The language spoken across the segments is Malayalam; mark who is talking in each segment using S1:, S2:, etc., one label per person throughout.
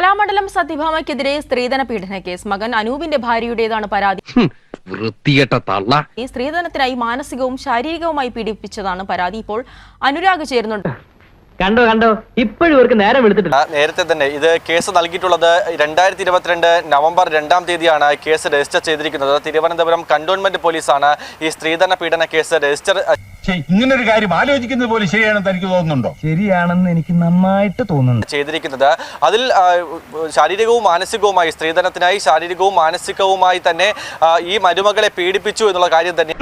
S1: കലാമണ്ഡലം സത്യഭാമയ്ക്കെതിരെ സ്ത്രീധന പീഡന കേസ്. മകൻ അനൂപിന്റെ ഭാര്യയുടേതാണ് പരാതി. ഈ സ്ത്രീധനത്തിനായി മാനസികവും ശാരീരികവുമായി പീഡിപ്പിച്ചതാണ് പരാതി. ഇപ്പോൾ അനുരാഗ് ചേരുന്നുണ്ട്.
S2: കണ്ടോ ഇപ്പോഴും ഇവർക്ക് നേരം എടുത്തിട്ടില്ല.
S3: നേരത്തെ തന്നെ ഇത് കേസ് നൽകിയിട്ടുള്ളത് 2022 നവംബർ 2-ാം തീയതിയാണ് കേസ് രജിസ്റ്റർ ചെയ്തിരിക്കുന്നത്. തിരുവനന്തപുരം കന്റോൺമെന്റ് പോലീസാണ് ഈ സ്ത്രീധന പീഡന കേസ് രജിസ്റ്റർ.
S4: ഇങ്ങനൊരു കാര്യം ആലോചിക്കുന്നത് പോലും ശരിയാണെന്ന് എനിക്ക് തോന്നുന്നുണ്ടോ?
S2: ശരിയാണെന്ന് എനിക്ക് നന്നായിട്ട് തോന്നുന്നു.
S3: ചെയ്തിരിക്കുന്നത് അതിൽ ശാരീരികവും മാനസികവുമായി സ്ത്രീധനത്തിനായി ശാരീരികവും മാനസികവുമായി തന്നെ ഈ മരുമകളെ പീഡിപ്പിച്ചു എന്നുള്ള കാര്യം തന്നെ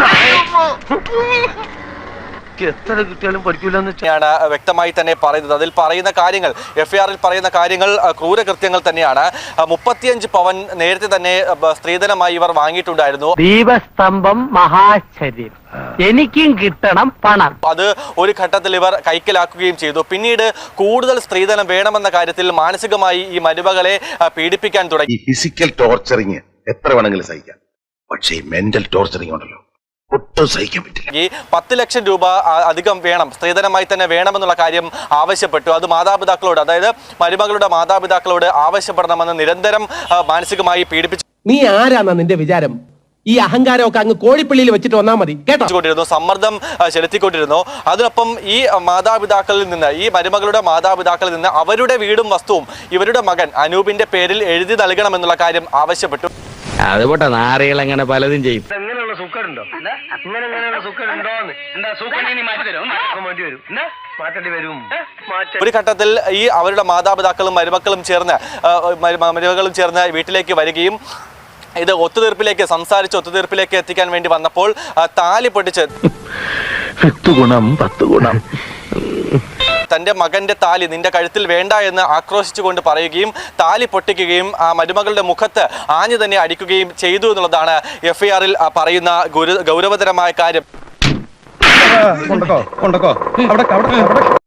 S5: എത്ര കിട്ടിയാലും പഠിക്കൂലെന്ന്
S3: ാണ് വ്യക്തമായി തന്നെ പറയുന്നത്. അതിൽ പറയുന്ന കാര്യങ്ങൾ, FIR-ൽ പറയുന്ന കാര്യങ്ങൾ ക്രൂരകൃത്യങ്ങൾ തന്നെയാണ്. 35 പവൻ നേരത്തെ തന്നെ സ്ത്രീധനമായി ഇവർ വാങ്ങിയിട്ടുണ്ടായിരുന്നു.
S2: ദീപസ്തംഭം മഹാശ്ചര്യം, എനിക്കും കിട്ടണം പണം.
S3: അത് ഒരു ഘട്ടത്തിൽ ഇവർ കൈക്കലാക്കുകയും ചെയ്തു. പിന്നീട് കൂടുതൽ സ്ത്രീധനം വേണമെന്ന കാര്യത്തിൽ മാനസികമായി ഈ മരുമകളെ പീഡിപ്പിക്കാൻ തുടങ്ങി.
S6: ഈ ഫിസിക്കൽ ടോർച്ചറിങ് എത്ര വേണമെങ്കിലും സഹിക്കാം, പക്ഷേ ഈ മെന്റൽ ടോർച്ചറിങ് ഉണ്ടല്ലോ, ഒട്ടും സഹിക്കാൻ പറ്റില്ല.
S3: ഈ 10 ലക്ഷം രൂപ അധികം വേണം, സ്ത്രീധനമായി തന്നെ വേണമെന്നുള്ള കാര്യം ആവശ്യപ്പെട്ടു. അത് മാതാപിതാക്കളോട്, അതായത് മരുമകളുടെ മാതാപിതാക്കളോട് ആവശ്യപ്പെടണമെന്ന് നിരന്തരം മാനസികമായി പീഡിപ്പിച്ചു.
S7: നീ ആരാന്നാ നിന്റെ വിചാരം? ഈ അഹങ്കാരമൊക്കെ അങ്ങ് കോഴിപ്പള്ളിയിൽ വെച്ചിട്ട് വന്നാൽ മതി കേട്ടോ.
S3: സമ്മർദ്ദം ചെലുത്തിക്കൊണ്ടിരുന്നു. അതിനൊപ്പം ഈ മാതാപിതാക്കളിൽ നിന്ന്, ഈ മരുമകളുടെ മാതാപിതാക്കളിൽ നിന്ന് അവരുടെ വീടും വസ്തുവും ഇവരുടെ മകൻ അനൂപിന്റെ പേരിൽ എഴുതി നൽകണമെന്നുള്ള കാര്യം ആവശ്യപ്പെട്ടു.
S5: അതുപോട്ടെ, നാറികൾ അങ്ങനെ പലതും ചെയ്യും.
S2: ഇങ്ങനെയുള്ള സുഖമുണ്ടോ? ഇങ്ങനെയുള്ള സുഖമുണ്ടോ? എന്താ സുഖം മാറ്റേണ്ടി വരും.
S3: ഒരു ഘട്ടത്തിൽ ഈ അവരുടെ മാതാപിതാക്കളും മരുമക്കളും ചേർന്ന് വീട്ടിലേക്ക് വരികയും ഇത് ഒത്തുതീർപ്പിലേക്ക് എത്തിക്കാൻ വേണ്ടി വന്നപ്പോൾ താലി പൊട്ടിച്ച്
S5: 10 ഗുണം
S3: തന്റെ മകന്റെ താലി നിന്റെ കഴുത്തിൽ വേണ്ട എന്ന് ആക്രോശിച്ചുകൊണ്ട് പറയുകയും താലി പൊട്ടിക്കുകയും ആ മരുമകളുടെ മുഖത്ത് ആഞ്ഞു തന്നെ അടിക്കുകയും ചെയ്തു എന്നുള്ളതാണ് FIR-ൽ പറയുന്ന ഗൗരവതരമായ കാര്യം.